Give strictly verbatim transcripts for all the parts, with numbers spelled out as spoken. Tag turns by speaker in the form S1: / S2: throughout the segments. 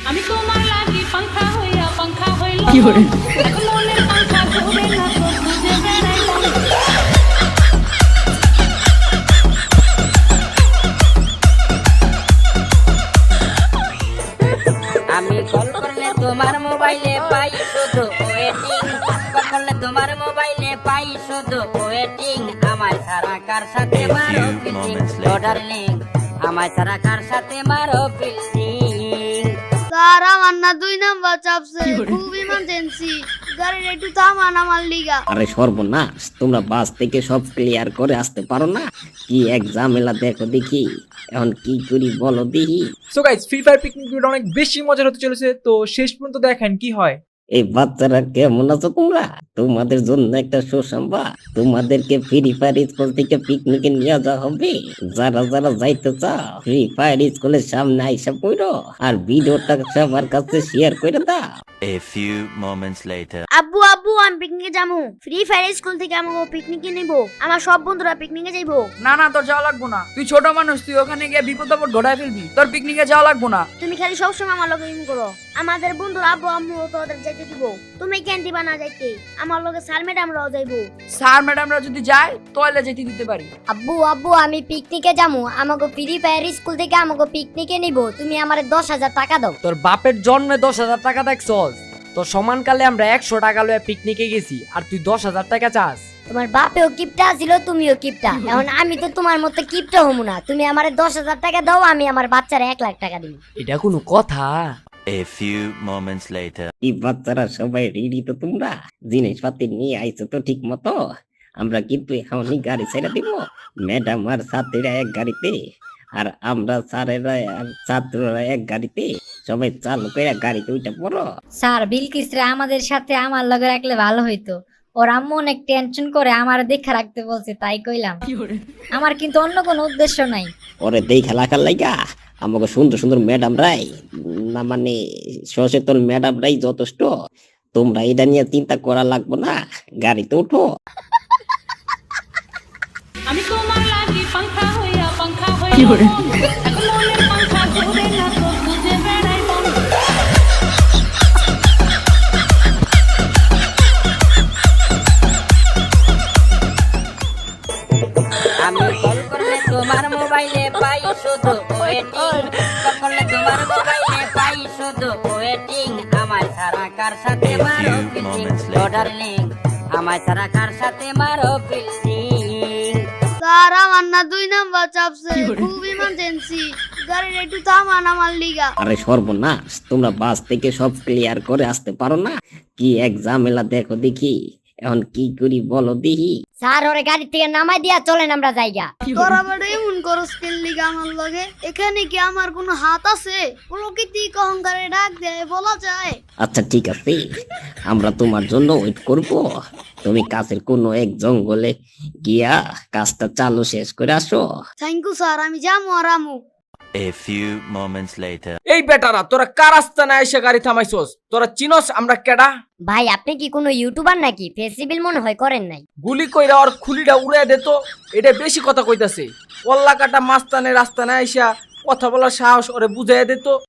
S1: আমি তোমার লাগি পাংখা হইয়া পাংখা হইল কি করে এখন মনের পাংখা ঘুরে না তো বুঝে বেড়াই
S2: আমি কল করলে তোমার মোবাইলে পাই শুধু ওয়েটিং কল করলে তোমার মোবাইলে পাই শুধু ওয়েটিং আমার সারা কার সাথে মারো ফিল্ডিং ও ডার্লিং আমার সারা কার সাথে মারো ফিল্ডিং
S3: স্যার আমার না দুই নাম্বার চাপছে খুব ইমার্জেন্সি গাড়ির একটু থামান আমার লিগা।
S4: আরে সর্বনাশ, তোমরা বাস থেকে সব ক্লিয়ার করে আসতে পারো না? কি এক ঝামেলা দেখো দেখি, এখন কি করি বলো দেখি।
S5: So guys, free fire picnic ভিডিওটা অনেক বেশি মজার হতে চলেছে, তো শেষ পর্যন্ত দেখেন কি হয়।
S4: এই বাচ্চারা কেমন আছো তোমরা? তোমাদের জন্য একটা সুসংবাদ, তোমাদেরকে ফ্রি ফায়ার স্কুল থেকে পিকনিকে নিয়ে যাওয়া হবে। যারা যারা যাইতে চাও ফ্রি ফায়ার স্কুলের সামনে আইসা পড়ো আর ভিডিওটা সবার কাছে শেয়ার করে দাও।
S6: A few moments later.
S3: আব্বু আব্বু আমি পিকনিকে যাবো, ফ্রি ফায়ার স্কুল থেকে আমাকে পিকনিকে নিব, আমার সব বন্ধুরা পিকনিকে যাইবো।
S7: না না, তোর যাওয়া লাগবো না, তুই ছোট মানুষ, তুই ওখানে গিয়ে বিপদ আপদ ঘটায় ফেলবি, তোর পিকনিকে যাওয়া লাগবো না।
S3: তুমি খালি সবসময় আমার লগে ইন করো, আমাদের বন্ধুরা আব্বু আম্মু তো ওদের যাইতে দিব, তুমি কেন দিবা না যাইতে? আমার লগে স্যার ম্যাডামরাও যাইবো।
S7: স্যার ম্যাডামরা যদি যায় তাহলে যেতে দিতে পারি।
S8: আব্বু আব্বু আমি পিকনিকে যাবো, আমাকে ফ্রি ফায়ার স্কুল থেকে আমাকে পিকনিকে নিব, তুমি আমারে দশ হাজার টাকা দাও।
S9: তোর বাপের জন্মে দশ হাজার টাকা দেখছস? তোর সমানকালে আমরা একশো টাকা লয়ে পিকনিকে গেছি আর তুই দশ হাজার টাকা চাস?
S8: তোমার বাপেও কিপটা ছিল, তুমিও কিপটা, এখন আমি তো তোমার মতো কিপটা হমু না। তুমি আমারে দশ হাজার টাকা দাও, আমি আমার বাচ্চারা এক লাখ টাকা দিব।
S9: এটা কোনো কথা?
S6: A few moments later.
S4: এই বাচ্চারা সবাই রেডি তো? তোমরা জিনিসপাতি নিয়ে আইছো তো ঠিক মতো? আমরা কিন্তু এখনই গাড়ি ছেড়ে দিব। ম্যাডাম আর ছাত্রীরা এক গাড়িতে আর আমরা স্যারেরা আর ছাত্ররা এক গাড়িতে, সবাই চালু করে গাড়িতে উঠে পড়ো।
S8: স্যার বিলকিসরা আমাদের সাথে আমার লগে রাখলে ভালো হইতো, ওর আম্মু অনেক টেনশন করে আমার দেখা রাখতে বলছে, তাই কইলাম। আমার কিন্তু অন্য কোনো উদ্দেশ্য নাই।
S4: ওরে দেখা লাগার লাইগা আমাকে সুন্দর সুন্দর ম্যাডাম রাই, না মানে সচেতন ম্যাডাম রাই যথেষ্ট। তোমরা এটা নিয়ে চিন্তা করা লাগবে না, গাড়িতে উঠো।
S1: আমি তোমার লাগি পাংখা হইয়া পাংখা হইল কি করে এখন মনের পাংখা ঘুরে না তো বুঝে বেড়াই
S2: আমি কল করলে তোমার মোবাইলে পাই শুধু ওয়েটিং কল করলে তোমার মোবাইলে পাই শুধু ওয়েটিং আমার সারা কার সাথে মারো ফিল্ডিং ও ডার্লিং আমার সারা কার সাথে মারো ফিল্ডিং
S3: স্যার আমার না দুই নাম্বার চাপছে খুব ইমার্জেন্সি গাড়ির একটু থামান আমার লিগা।
S4: আরে সর্বনাশ, তোমরা বাস থেকে সব ক্লিয়ার করে আসতে পারো না? কি এক ঝামেলা দেখো দেখি, এখন কি করি বলো দেখি।
S8: স্যার ওরে গাড়ি থেকে নামাই দিয়া চলেন আমরা যাইগা।
S3: তোরা বড় এমন করস কেন লিগা আমার লগে? এখানে কি আমার কোনো হাত আছে? প্রকৃতি অহংকারে ডাক দেয় বলা যায়?
S4: আচ্ছা ঠিক আছে, আমরা তোমার জন্য ওয়েট করব। তুমি কাছের কোনো এক জঙ্গলে গিয়া কাজটা চালু শেষ করে আসো।
S3: থ্যাংক ইউ স্যার, আমি যাবো আর আমু।
S6: A few moments later.
S5: এই বেটারা, তোরা কার আস্তানা এসে গাড়ি থামাইছস? তোরা চিনস আমরা কেডা?
S8: ভাই আপনি কি কোনো ইউটিউবার নাকি? ফেসিবিল মনে হয় করেন নাই।
S5: গুলি কইরা ওর খুলিটা উড়ে দে তো, এটা বেশি কথা কইতাছে। কল্লা কাটা মাস্তানের রাস্তানা এসা কথা বলার সাহস ওরে বুঝাইয়া দে তো।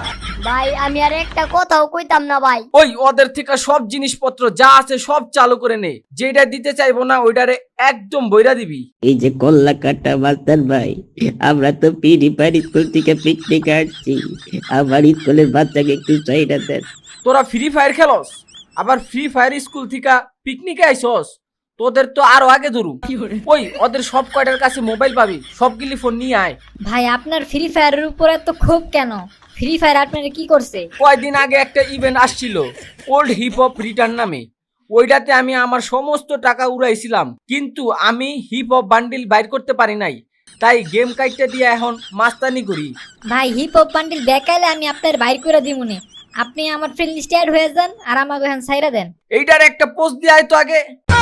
S8: ভাই আমি আর একটা কথাও কইতাম না ভাই।
S5: ওই ওদের থেকে সব জিনিসপত্র যা আছে সব চালু করে নে, যেটা দিতে চাইবো না ওইটারে একদম বইরা দিবি।
S4: এই যে কল্লা কাটা মাস্টার ভাই, আমরা তো পিড়ি পাড়ি স্কুল থেকে পিকনিক আসছি, আমার স্কুলের বাচ্চাকে একটু চাহিদা দেন।
S5: তোরা ফ্রি ফায়ার খেলস, আবার ফ্রি ফায়ার স্কুল থেকে পিকনিকে আইসস? তোদের তো আরো আগে ধরু। ওই ওদের সব কয়টার কাছে মোবাইল পাবি, সবগুলি ফোন নিয়ে আয়।
S8: ভাই আপনার ফ্রি ফায়ারের উপরে তো খুব কেন? ফ্রি ফায়ার আপনারা কি করছে?
S5: কয়দিন আগে একটা ইভেন্ট আসছিল ওল্ড হিপ হপ রিটার্ন নামে, ওইটাতে আমি আমার সমস্ত টাকা উড়াইছিলাম, কিন্তু আমি হিপ হপ বান্ডিল বাইর করতে পারি নাই, তাই গেম কাইটটা দিয়ে এখন মাস্তানি করি।
S8: ভাই হিপ হপ বান্ডিল দেখাইলে আমি আপনার বাইর করে দিমুনে, আপনি আমার ফ্রেন্ড লিস্টে অ্যাড হয়ে যান আর আমাকে এখন ছাইরা দেন।
S5: এইটার একটা পোস্ট দিয়ে আয় তো আগে।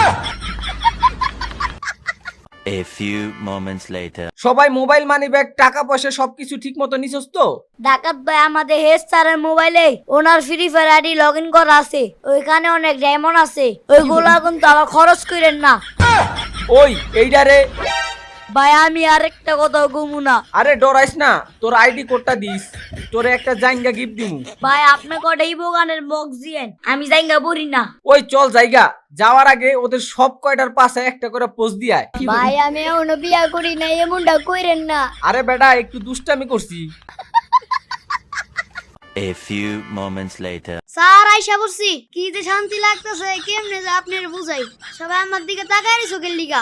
S6: A few moments later.
S5: সবাই মোবাইল মানি ব্যাগ টাকা পয়সা সবকিছু ঠিক মতো নিছস তো?
S3: ডাকাত ভাই আমাদের হেড স্যারের মোবাইলে ওনার free fire ID log in করা আছে, ওইখানে অনেক ডায়মন্ড আছে, ওইগুলা কিন্তু আবার খরচ করেন না।
S5: ওই এইটারে
S7: ভাই আমি আরেকটা কথা কমু না।
S5: আরে ডরাইস না, তোর আইডি কোডটা দিস, তোরে একটা জাইঙ্গা গিফট দিমু।
S7: ভাই আপনি কটা এই বগানের বক্স দিয়েন, আমি জায়গা পড়ি না।
S5: ওই চল জায়গা, যাওয়ার আগে ওদের সব কয়টার পাশে একটা করে পোস্ট দিয়ে আয়।
S3: ভাই আমি এখনো বিয়া করি না, এমনটা কইরেন না।
S5: আরে বেটা একটু দুষ্টামি করছি।
S6: A few moments later.
S3: Sir আইসা বলছি, কি যে শান্তি লাগতেছে, কেমনে যে আপনার বুঝাই। সবাই আমার দিকে তাকায় চোখের লিগা।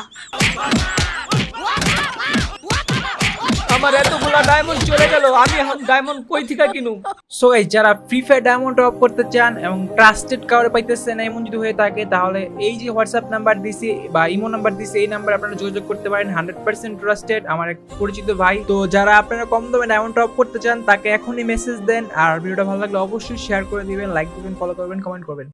S5: আমার এতগুলা ডায়মন্ড চলে গেল, আমি এখন ডায়মন্ড কই থেকে কিনু?
S10: সো এই যারা ফ্রি ফায়ার ডায়মন্ড টপ করতে চান এবং ট্রাস্টেড কাউরে পাইতেছেন এমন যদি হয়ে থাকে, তাহলে এই যে হোয়াটসঅ্যাপ নাম্বার দিছি বা ইমো নাম্বার দিছি, এই নাম্বারে আপনারা যোগাযোগ করতে পারেন। হান্ড্রেড পার্সেন্ট ট্রাস্টেড, আমার এক পরিচিত ভাই। তো যারা আপনারা কম দামে ডায়মন্ড টপ করতে চান তাকে এখনই মেসেজ দেন। আর ভিডিওটা ভালো লাগলে অবশ্যই শেয়ার করে দিবেন, লাইক দিবেন, ফলো করবেন, কমেন্ট করবেন।